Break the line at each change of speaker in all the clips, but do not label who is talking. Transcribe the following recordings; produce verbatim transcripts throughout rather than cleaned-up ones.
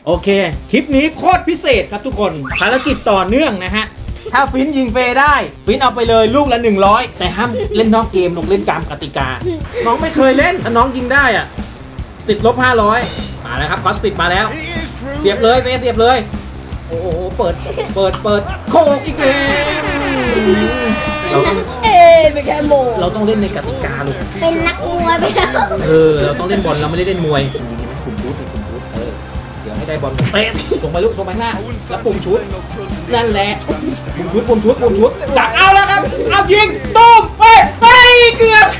โอเคคลิปนี้โคตรพิเศษครับทุกคนภารกิจต่อเนื่องนะฮะถ้าฟินยิงเฟได้ฟินเอาไปเลยลูกละหนึ่งร้อยแต่ห้ามเล่นนอกเกมลงเล่นตามกติกาน้องไม่เคยเล่นถ้าน้องยิงได้อ่ะติดลบห้าร้อยมาแล้วครับคอสติดมาแล้วเสียบเลยเฟเสียบเลยโอ้โหเปิดเปิดเปิดโคกอีกแล้วเราต้อง
เอ๊ะเป็นแค่โม
เราต้องเล่นในกติกาลูก
เป็นนักมวยไปแล้ว
เออเราต้องเล่นบอลเราไม่ได้เล่นมวยปุ่มชุดปุ่มชุดเออเดี๋ยวให้ได้บอลเตะส่งไปลูกส่งไปหน้าแล้วปุ่มชุดนั่นแหละปุ่มชุดปุ่มชุดปุ่มชุดดักเอาแล้วครับเอายิงตุ้มไปไปเกือบ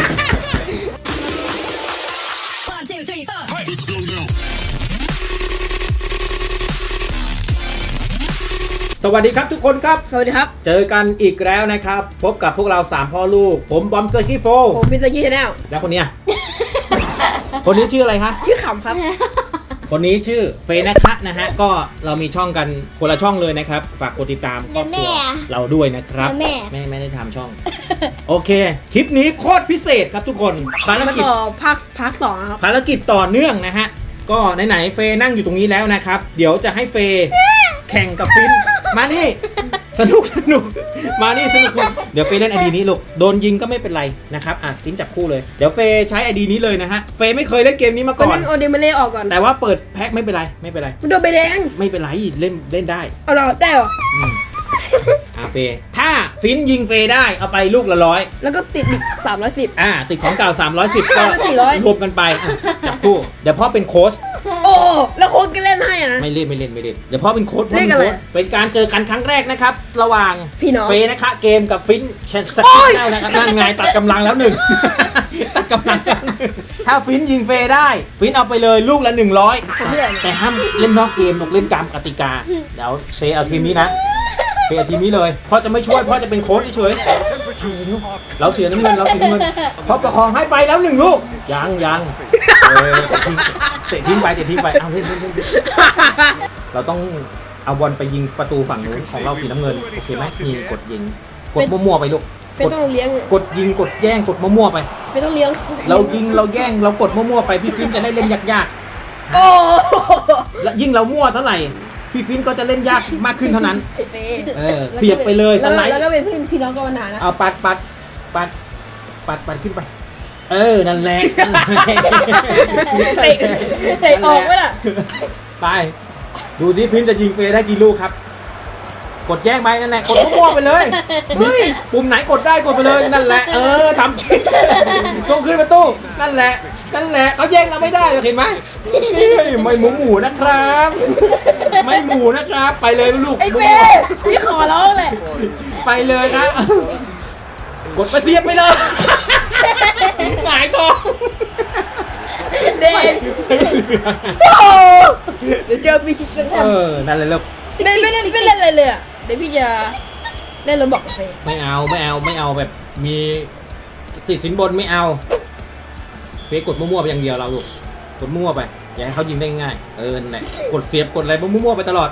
สวัสดีครับทุกคนครับ
สวัสดีครับ
เจอกันอีกแล้วนะครับพบกับพวกเราสามพ่อลูกผมบอมเซอร์คิโฟ
ผมพิซซ่ากี้ชาแนล
แล้วคนเนี้ย คนนี้ชื่ออะไรคะ
ชื่อขำครับ
คนนี้ชื่อเฟย์นะคะนะฮะก็เรามีช่องกันคนละช่องเลยนะครับฝากกดติดตามครอบครัวเราด้วยนะครับ
แม่
ไม่ไม่ได้ทำช่อง โอเคคลิปนี้โคตรพิเศษครับทุกคนภาร
มา
กิจ
ต่อภาคภาคสองนะครับ
ภารกิจต่อเนื่องนะฮะก็ไหนๆเฟย์นั่งอยู่ตรงนี้แล้วนะครับเดี๋ยวจะให้เฟย์แข่งกับฟินมานี่สนุกสนุกมานี่สนุกสนุกเดี๋ยวเฟย์เล่นไอดีนี้ลูกโดนยิงก็ไม่เป็นไรนะครับอ่ะฟินจับคู่เลยเดี๋ยวเฟย์ใช้ไอดีนี้เลยนะฮะเฟย์ไม่เคยเล่นเกมนี้มา
ก็
ก่อน
นึงโอเดมาเล่ออกก่อน
แต่ว่าเปิดแพ็คไม่เป็นไรไม่เป็นไร
มันโดนใบแดง
ไม่เป็นไรเล่นเล่นได้
เอาเราแต่เหรอ
อืมอ่ะเฟย์ถ้าฟินยิงเฟย์ได้เอาไปลูกละร้อย
แล้วก็ติดอีกสามร้อยสิบ
อ่าติดของเก่าสามร้อยสิบก็
สี่ร้อย
รวมกันไปอ่ะจับคู่เดี๋ยวพ่อเป็นโค้ช
โอ้แล้วโค้ดก็เล่นให้อะนะ
ไม่เล่นไม่เล่นไม่เล่นเดี๋ยวพ่อเป็นโค้ชพ่อ
เล่
เป็น น
กันเลย
โค้ชเป็นการเจอกันครั้งแรกนะครับระหว่าง
พี่น้อง
เฟย์นะคะเกมกับฟินเชนส
โอ้
กิ
ย
ได้นะครับนั่นไงตัดกำลังแล้วหนึ่ง ตัดกำลังแล้วหนึ่งถ้าฟินยิงเฟย์ได้ฟินเอาไปเลยลูกละหนึ่งร้อยแต่ห้ามเล่นนอกเกมลงเล่นตามกติกาเดี๋ยวเฟย์เอาทีมนี้นะเฟย์เอาทีมนี้เลยพ่อจะไม่ช่วยพ่อจะเป็นโค้ชเฉยๆเราเสียน้ำเงินเราเสียน้ำเงินพ่อประคองให้ไปแล้วหนึ่งลูกยังยังเออเตะทิ้งเตะทิ้งไปเตะทิ้งไปเอาเล่นเล่นเล่น เราต้องเอาบอลไปยิงประตูฝั่งนู้นของเราสีน้ำเงินโอเคไหมนี่กดยิงกดมั่วๆไปลูก
เป็น
กด
ต้องเลี้ยง
กดยิงกดแย่งกดมั่วๆไป
เป็นต้องเลี้ยง
เรายิงเราแย่งเรากดมั่วๆไปพี่ฟินจะได้เล่นยาก
โอ้
ๆและยิ่งเรามั่วเท่าไหร่พี่ฟินก็จะเล่นยากมากขึ้นเท่านั้น
ไอ้เฟย์
เออเสียบไปเลยส
แล้ว
ไลด์
แล้วก็เป็นพี่พี่น้องกันมานานนะ
เอาปัดปัดปัดปัดปัดขึ้นไป เออนั่นแหละนั่นแหละ
เตะเตะออกไว้ล่ะ
ไปดูที่ฟินจะยิงเฟย์ได้กี่ลูกครับ กดแย่งไปนั่นแหละกดมั่วๆไปเลยเฮ้ยปุ่มไหนกดได้กดไปเลยนั่นแหละเออทำจริงส่งขึ้นประตูนั่นแหละนั่นแหละเขาแย่งเราไม่ได้เห็นไหมนี่ไม่หมูหมูนะครับ ไม่หมูนะครับไปเลยลูก
ไอ้เฟย์พี่ขอร้องเลย
ไปเลยครับกดไปเสียบไปเลยหงายท้อง
เด็กโอ้เดี๋ยวเจอพี่คิดสักแท
เออนั่นเลยลูก
ไม่ไม่เล่นไม่เล่นอะไรเลยอ่ะเดี๋ยวพี่จะเล่นแล้วบอกกับเฟย์
ไม่เอาไม่เอาไม่เอาแบบมีติดสินบนไม่เอาเฟซกดมั่วๆไปอย่างเดียวเราลูกกดมั่วไปอย่าให้เขายิงได้ง่ายเออนั่นแหละกดเสียบกดอะไรมั่วๆไปตลอด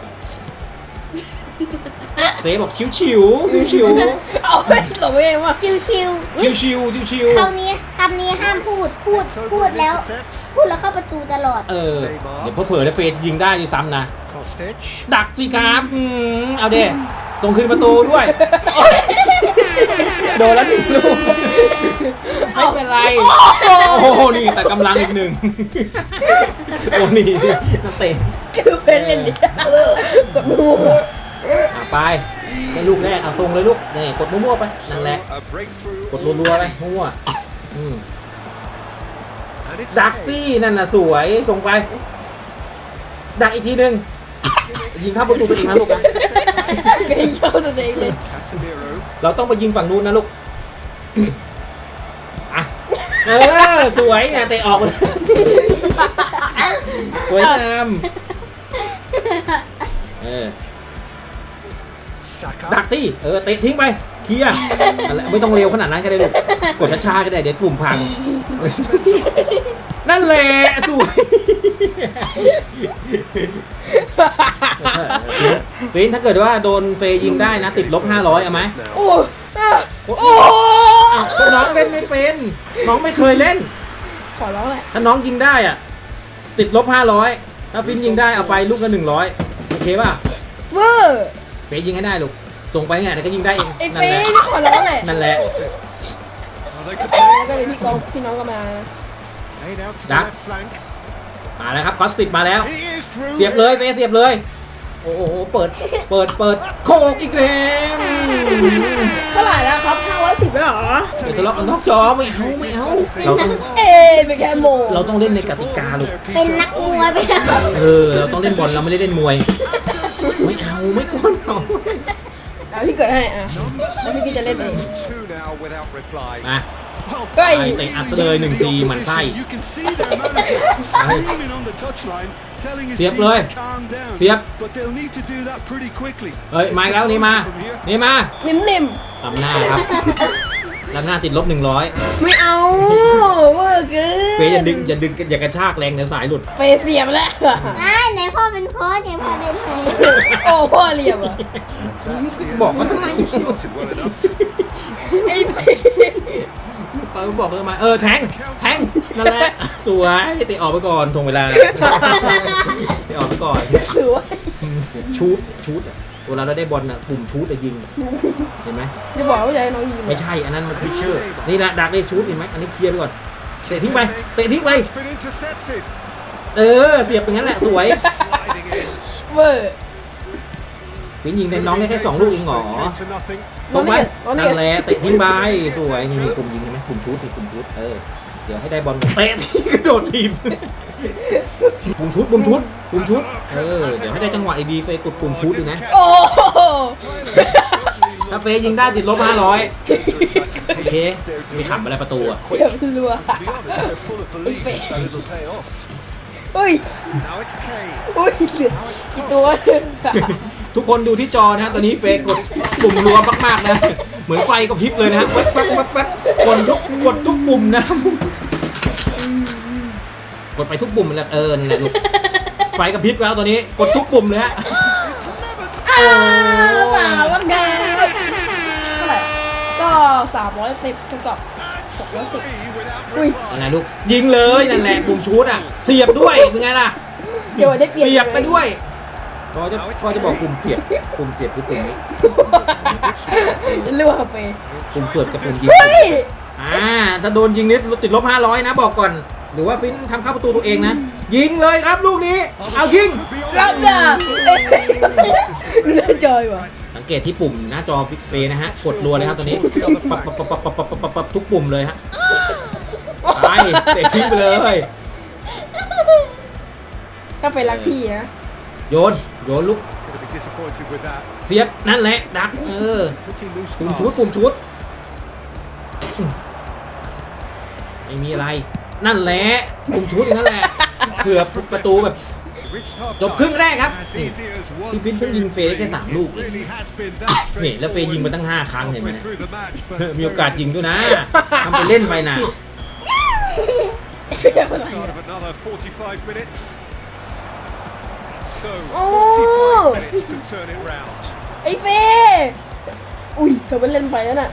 เซฟบอกชิวชิวชิวชิว
เอาไปตบเองว่ะ
ชิวชิว
ชิวชิวชิวชิว
คำนี้คำนี้ห้ามพูดพูดพูดแล้ว พูดแล้วเข้าประตูตลอด
เออเดี๋ยวเผลอๆเฟซยิงได้ด้วยซ้ำนะดักสิครับอืมเอาเด้ส่งคืนประตูด้วยโดนแล้วหนึ่งลูกไม่เป็นไรโอ้โหนี่แต่กำลังอีกหนึ่งโอ้นี่นักเตะ
คือเฟนเล่นดิกดมือ
อ่ะไปให้ลูกแรกเอาตรงเลยลูกนี่กดมั่วๆไปนั่นแหละกดรัวๆไปมั่วๆอืมดักตี้นั่นน่ะสวยส่งไปดักอีกทีหนึ่งยิงเข้าประตูตัวเองนะลูกนะ
เฟนเย้าตัวเองเลย
เราต้องไปยิงฝั่งนู้นนะลูกอ่ะเออสวยนะเตะออกเลยสวยงามเออดักตี้เออเตะทิ้งไปเคลียร์อะไรไม่ต้องเร็วขนาดนั้นก็ได้ลูกกดช้าๆก็ได้เดี๋ยวกลุ่มพังนั่นแหละสวยฟินถ้าเกิดว่าโดนเฟย์ยิงได้นะติดลบห้าร้อยเอาไหม
โอ้โอ้
อ้าวน้องเล่นไม่เป็นน้องไม่เคยเล่น
ขอร้องแหละ
ถ้าน้องยิงได้อ่ะติดลบห้าร้อยถ้าฟินยิงได้เอาไปลูกละหนึ่งร้อยโอเคป่ะ
เวอร์
เฟยิงให้ได้ลูกส่งไปไงแต่ก็ยิงได้เอง
ไอ้
นั่
เฟ
นแหละ
ย์นี่ขอร้องแหละ
นั่นแหละ
แล้วก็มีพี่กองพี่น้องก็มา
ดักมาแล้วครับคอสติกมาแล้ว เสียบเลยเฟเสียบเลยโอ้โหเปิดเปิดเปิดโคกอีกแล้ว
เท่าไหร่แล้วครับห้าร้อยสิบแล้วเหรอ
ไปทะเลาะกันนอกจอไม่เอาไม่เอาเราต้อง
เอ๊ะเป็นแค่โม
เราต้องเล่นในกติกาลูก
เป็นนักมวยไปแล้ว
เออเราต้องเล่นบอลเราไม่ได้เล่นมวยไม่เอาไม่กวนเอา
เอาพี่เกิดให้อ่ะแล้วพี่ก็จะเล่นเอง
มา
ก็ไอ้
เตะอัดเลยหนึ่งทีหมันไส้เสียบเลยเสียบเฮ้ยมาอีกแล้วนี่มานี่มา
นิ่ม
ลำหน้าครับลำหน้าติดลบหนึ่งร้อย
ๆไม่เอาเวอร์เกิน
เฟยอย่าดึงอย่าดึงอย่ากระชากแรงเดี๋ยวสายหลุด
เฟย์เสียบแล้ว
ไอ้ไหนพ่อเป็นโค้ชไงพ่อเล่นให้
โอ้พ่อเหลี่ยมอ่ะ
บอกเขาทำไม
ไอ้เฟย์
เขาบอกเขาทำไมเออแทงแทงนั่นแหละสวยเตะออกไปก่อนทวงเวลาเตะออกไปก่อน
ถือว่า
ชูดชูดอะเวลาเราได้บอลน่ะปุ่มชูดอะยิงเห็นไหม
จะบอกว่าจะให้น้องยิง
ไม่ใช่อันนั้นมันพิชเชอร์นี่นะดักได้ชูดเห็นไหมอันนี้เคลียร์ไปก่อนเตะทิ้งไปเตะทิ้งไปเออเสียบอย่างนั้นแหละสวย
เวอร์
ฟินยิงแต่น้องได้แค่สองลูกเองเหรอ
น้
ส่
อง
งไป
นี่น้องนี่
นั่นแหละเตะทิ้งไปสวยนี่ปุ่มยิงเห็นไหมปุ่มชูดนี่ปุ่มชูดเออเดี๋ยวให้ได้บอลเตะทิ้งกระโดดทีมปุ่มชุดปุ่มชุดปุ่มชุดเออเดี๋ยวให้ได้จังหวะดีๆไปกดปุ่มชุดดูนะ
โอ้โห
ถ้าเฟยยิงได้ติดลบห้าร้อยโอเคมีขับอะไรประตูอ่ะ
เสียบรัวอุ้ยอุ้ยเหลือกี่ตัว
ทุกคนดูที่จอนะฮะตอนนี้เฟยกดปุ่มรัวมากๆนะเหมือนไฟกระพริบเลยนะฮะแป๊บแป๊บแป๊บแป๊บกดทุกกดทุกปุ่มนะกดไปทุกปุ่มเลยเออนั่นแหละลูกไฟกระพริบแล้วตอนนี้กดทุกปุ่มเลยฮะ
อ้าวสามวันแกเท่าไหร่ก็สามร้อยสิบเท่ากับสองร้อยสิบอุ้ย
นั่นแหละลูกยิงเลยนั่นแหละปุ่มชูดอ่ะเสียบด้วยเป็นไงล่ะ
เดี๋ยวได้เปลี่ยน
เสียบไปด้วยพอจะพอจะบอกปุ่มเสียบปุ่มเสียบคือปุ่มนี้
เลือกเฟย์
ปุ่มเสียบกับปุ่มยิง
เฮ้ย
อ่าถ้าโดนยิงนิดติดลบห้าร้อยนะบอกก่อนหรือว่าฟินทำเข้าประตูตัวเองนะยิงเลยครับลูกนี้เอายิง
รับด่าเอ้ยน่าจอยว่ะ
สังเกตที่ปุ่มหน้าจอฟิกเฟนะฮะกดรัวเลยครับตอนนี้ปับปับปับปับปับปับปับปับปับทุกปุ่มเลยฮะไปเตะทิ้งไปเลย
ถ้าเฟย์รักพี่นะ
โยนโยนลูกเสียบนั่นแหละดักเออปุ่มชุดปุ่มชุดไม่มีอะไรนั่นแหละปุ่มชุดอย่างนั้นแหละเผื่อประตูแบบจบครึ่งแรกครับนี่พี่ฟินเพิ่งยิงเฟย์แค่สามลูกนี่แล้วเฟย์ยิงมาตั้งห้าครั้งเห็นไหมเนี่ยมีโอกาสยิงด้วยนะทำไปเล่นไปนะ
เฟย์อะไรโอ้ไอ้เฟย์อุ้ยเธอไปเล่นไปแล้วน่ะ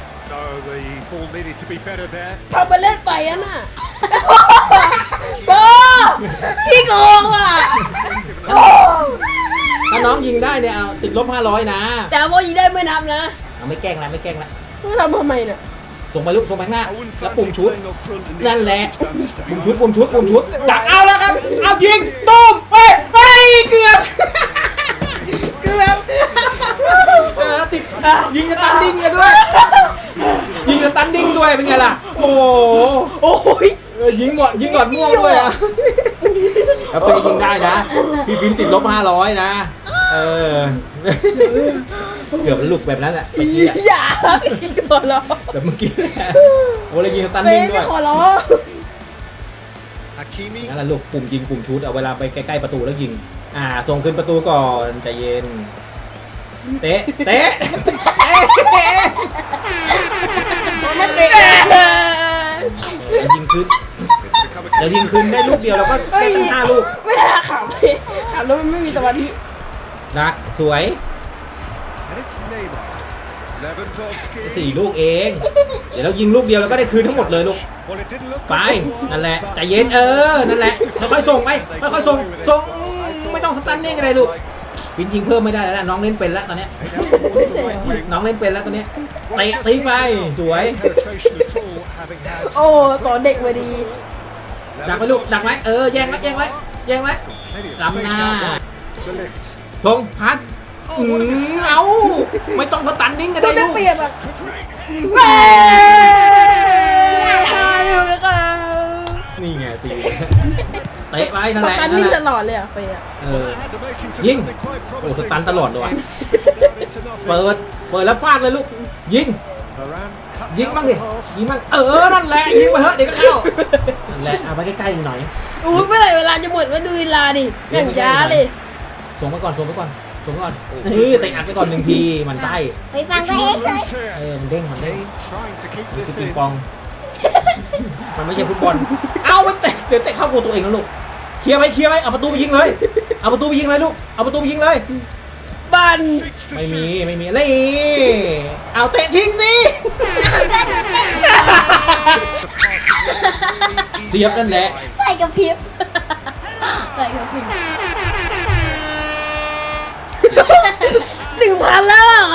ทำไปเล่นไปอ่ะน่ะโอ้พี่โกงอ่ะโอ้
ถ้าน้องยิงได้เนี่ยเอาติดลบห้าร้อยนะ
แต่ว่ายิงได้ไม่นับนะ
เอาไม่แกล้งนะไม่แกล้งนะ
มึงทำทำไมน่ะ
ส่งไปลูกส่งไปข้างหน้าแล้วปุ่มชุดนั่นแหละปุ่มชุดปุ่มชุดปุ่มชุดดักเอาแล้วครับเอายิงตูมเฮ้ยเฮ้ยเกือบเกือบเออติดยิงสตันดิ้งกันด้วยยิงสตันดิ้งด้วยเป็นไงล่ะโอ้โห
โอ้ย
เออยิงหมดยิงหมดม่วงด้วยอ่ะแล้วเฟย์ยิงได้นะพี่ฟินติดลบห้าร้อยนะเออเกือบหลุดแบบนั้นแหละเมื่อกี้อะ
อย่าพี่ขอร้อง
แบบเมื่อกี้แหละโอ้เลยยิงสตัน
เฟ
ดิ้ง
ย์
ด้
ไม่
วย
ขอร้อง
นั่นแหละลูกปุ่มยิงปุ่มชุดเอาเวลาไปใกล้ๆประตูแล้วยิงอ่าส่งขึ้นประตูก่อนใจเย็นเตะเตะเตะ
มันเตะ
เดี๋ยวยิงขึ้นเดี๋ยวยิงขึ้นได้ลูกเดียวแล้วก็ได้ตั้งห้าลูก
ไม่ได้ขำเลยขำแล้วมันไม่มีสมาธิ
ดักสวยสี่ลูกเอง เดี๋ยวเรายิงลูกเดียวแล้วก็ได้คืนทั้งหมดเลยลูกไปนั่นแหละใจเย็นเออนั่นแหละค่อยๆส่งไปค่อยๆส่งส่งต้องสตันนิ่งอะไรลูกฟินยิงเพิ่มไม่ได้แล้วน้องเล่นเป็นแล้วตอนเนี้ยน้องเล่นเป็นแล้วตอนเนี้ยเตะตีไปสวย
โอ้สอนเด็กมาดี
ดักไว้ลูกดักไว้เออแย่งไว้แย่งไว้แย่งไว้ล้ำหน้าชงพัดอืมเอาไม่ต้องสตันนิ่งกัน
ตั
ได้
วได้
ลูก
เปรียบอ่ะเฮ้ยฮาดูแล้วกัน
นี่ไงตีเตะไปนั่น
ส
แหละ
ตัน
นั่
นิ่
น
ง
แห
ต
ละ
ลอดเลยอ่ะเฟย์
เออยิงโอ้สตันตลอดเลยว่ะเปิดเปิดแล้วฟาดเลยลูกยิงยิงบ้างดิยิงบ้างเออนั่นแหละยิงไปเถอะเดี๋ยวก็เข้านั่นแหละเอาไปใกล้ๆอีกหน่อย
อู้เมื่อไหร่เวลาจะหมดมาดูเวลาดิอย่างช้าเลย
ส่งไปก่อนส่งไปก่อนส่งไปก่อนนี่เตะอัดไปก่อนหนึ่งทีมันใต้
ไปฟังก็เองเลย
เออมันเด้งมันเด้งมันคือปิงปองมันไม่ใช่ฟุตบอลเอาไปเตะเดี๋ยวเตะเข้าโกตัวเองแล้วลูกเคลียร์ไว้เคลียร์ไว้เอาประตูไปยิงเลยเอาประตูไปยิงเลยลูกเอาประตูไปยิงเลย
บัน
ไม่มีไม่มีนี่เอาเตะทิ้งสิเสียบนั่นแหละ
ใส่กับพริบใส่กับพริบ
หนึ่งพันแล้วเหรอ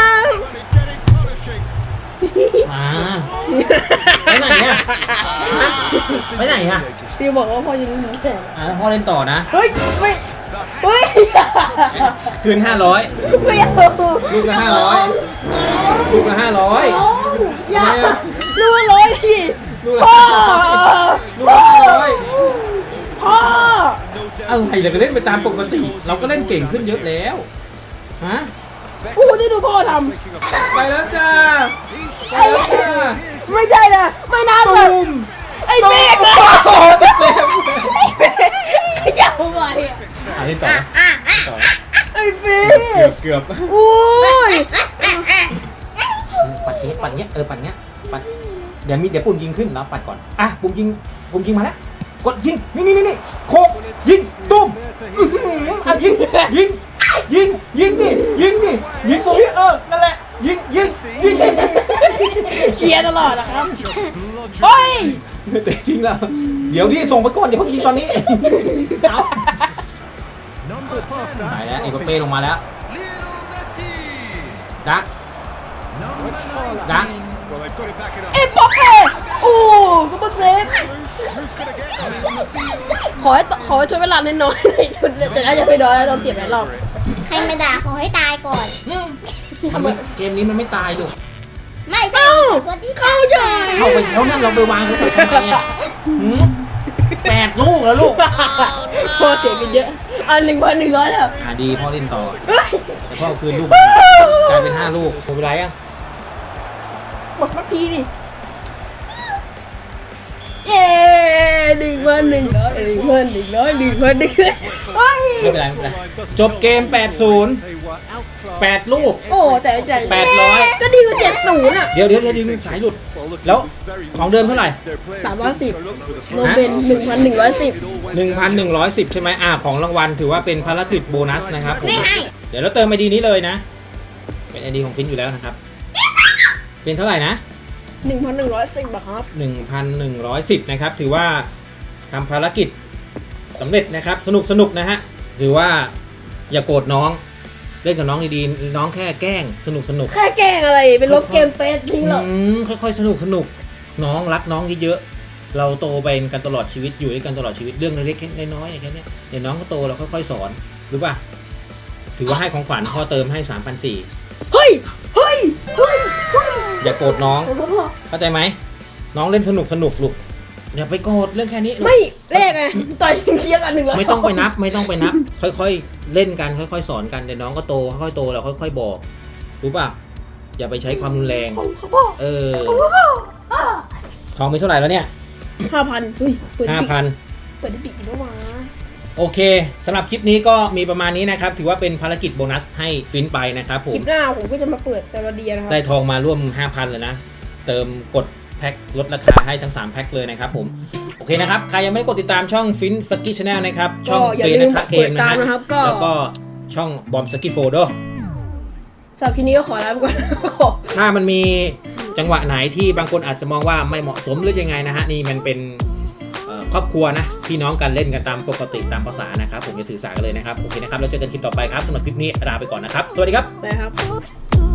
มาไปไหนอ่ะไปไหนอ่ะ
ดิวบอกว่าพ่อจะเล่นหนูแข่ง
อ่ะพ่อเล่นต่อนะ
เฮ้ยไม่เฮ้ย
คืนห้าร้อย
ไม่เอา
ลูกละห้าร้อยลูกละห้าร้อย
อย่าลูกร้อยที
ลูกละ
พ่อ
ลูกละห้าร้อย
พ่อ
อะไรเราก็เล่นไปตามปกติ เราก็เล่นเก่งขึ้นเยอะแล้วฮะ
พูดที่ดูพ่อท
ไปแล้วจ้า
ำ
ไปแล้วจ้า
ไม่ใช่นะไม่น่าเล
ตู
ย
ม
ไอ้เมฆ
โอ้โหเต็มเต็ม
ขยับไปอ่ะ
อ่ะเล่นต่อต่อ
ไอ้ฟี
เกือบเกือบ
โอ้ย
ปัดเนี้ยปัดเนี้ยเออปัดเนี้ยปัดเดี๋ยวมีเดี๋ยวปุ่มยิงขึ้นแล้วปัดก่อนอ่ะปุ่มยิงปุ่มยิงมาแล้วกดยิงนี่นี่นี่นี่โคกยิงตุ้มอื้อหืออ่ะยิงยิงยิงยิงดิยิงดิยิงตรงนี้เออนั่นแหละยิงยิงยิง
เคลียร์ตลอดนะครับเฮ้ย
เตะทิ้งแล้วเดี๋ยวดิส่งไปก่อนเดี๋ยวเพิ่งยิงตอนนี้เอาไปแล้วเอ็มบัปเป้ลงมาแล้วดักดัก
เอ็มบัปเป้โอ้ก็มาเซฟขอให้ขอให้ช่วยเวลาน้อยๆแต่น่าจะไม่น้อยแล้วเราเสียหลายรอบ
ใครมาด่าขอให้ตายก่อน
อืมมันไม่เกมนี้มันไม่ตายดู
ไม่ใช่
เอ้า
คนที่
เข้าใจ
เข้าไปแล้วนั่นเราไปวางเขาทำไมอ่ะหืมแปดลูกแล้วลูก
พอเสียกันเยอะอันหนึ่งพันหนึ่งร้อยแล้ว
อ่าดีพ่อเล่นต่อ
เฮ้ย
แต่พ่อเอาคืนลูกกลายเป็นห้าลูกหมดเวลายัง
หมดสักทีดิเย้หนึ่งพันหนึ่งร้อยหนึ่งพันหนึ่งร้อยหนึ่งพันหนึ่งร้อยเฮ้ย
ไม่เป็นไรไม่เป็นไรจบเกมแปดศูนย์ แปดลูก
โอ้แต่แต่
แปดร้อย
ก็ดีกว่าเจ็ดศูนย์อ่ะ
เดี๋ยวเดี๋ยวเดี๋ยวดึงสายหลุด แล้วของเดิมเท่าไหร่
สามร้อยสิบโลเป็นหนึ่งพันหนึ่งร้อยสิบ
หนึ่งพันหนึ่งร้อยสิบใช่ไหมอ่าของรางวัลถือว่าเป็นภารกิจโบนัสนะครับผม
ไม่ให้
เดี๋ยวเราเติมไอดีนี้เลยนะ เป็นไอดีของฟินอยู่แล้วนะครับ เป็นเท่าไหร่นะ
หนึ่งพันหนึ่งร้อยสิบอะครับ
หนึ่งพันหนึ่งร้อยสิบนะครับ ถือว่าทำภารกิจสำเร็จนะครับ สนุกสนุกนะฮะ ถือว่าอย่าโกรธน้อง เล่นกับน้องดีๆ น้องแค่แกล้งสนุกสนุก
แค่แกล้งอะไรเป็นลบเกมเฟสทิ้งหรอก
อืมค่อยๆสนุกสนุกน้องรักน้องเยอะๆเราโตไปกันตลอดชีวิตอยู่ด้วยกันตลอดชีวิตเรื่องเล็กๆน้อยๆแค่นี้เดี๋ยวน้องก็โตเราค่อยๆสอนรู้ป่ะถือว่าให้ของขวัญพ่อเติมให้สามพันสี่
เฮ้ยเฮ้ยเฮ้ยเฮ้ย
อย่าโกรธน้องเข้าใจไหมน้องเล่นสนุกสนุกลูกอย่าไปโกรธเรื่องแค่นี้ลูก
ไม่เลขไงต่อยเคลียร์กันหนึ่งร้อย
ไม่ต้องไปนับไม่ต้องไปนับ ค่อยๆเล่นกันค่อยๆสอนกันเดี๋ยวน้องก็โตค่อยๆโตเราค่อยๆบอกรู้ป่ะอย่าไปใช้ความรุนแรง
ของเขาพ่อ
เออทองไปเท่าไหร่แล้วเนี่ย
ห้าพันเฮ้ยเปิด
ห้า
ปิด
พัน
เปิดได้ปิดอีกแล้ววะ
โอเคสำหรับคลิปนี้ก็มีประมาณนี้นะครับถือว่าเป็นภารกิจโบนัสให้ฟินไปนะครับผ
คลิ
ม
ปหน้าผมก็จะมาเปิดซาลาเดียนะครับ
ได้ทองมาร่วม ห้าพัน เลยนะเติมกดแพ็คลดราคาให้ทั้งสามแพ็คเลยนะครับผมโอเคนะครับใครยังไม่ได้กดติดตามช่องฟินสกิชแนลนะครับช่อง
ก็อย่า
เฟ
ลื
น
ม
นะคะเก
เปิ
ม
ด
นะ
ตาม
ฮะ
นะครับก็
แล้วก็ช่องบอมสกิโฟโด
สำหรับคลิปนี้ก็ขอลาไปก่อน ขอ
ถ้ามันมีจังหวะไหนที่บางคนอาจจะมองว่าไม่เหมาะสมหรือยังไงนะฮะนี่มันเป็นเอ่อครอบครัวนะพี่น้องกันเล่นกันตามปกติตามภาษานะครับผมจะถือสากันเลยนะครับโอเคนะครับแล้วเจอกันคลิปต่อไปครับสำหรับคลิปนี้ลาไปก่อนนะครับสวัสดีครับ
ได้ครับ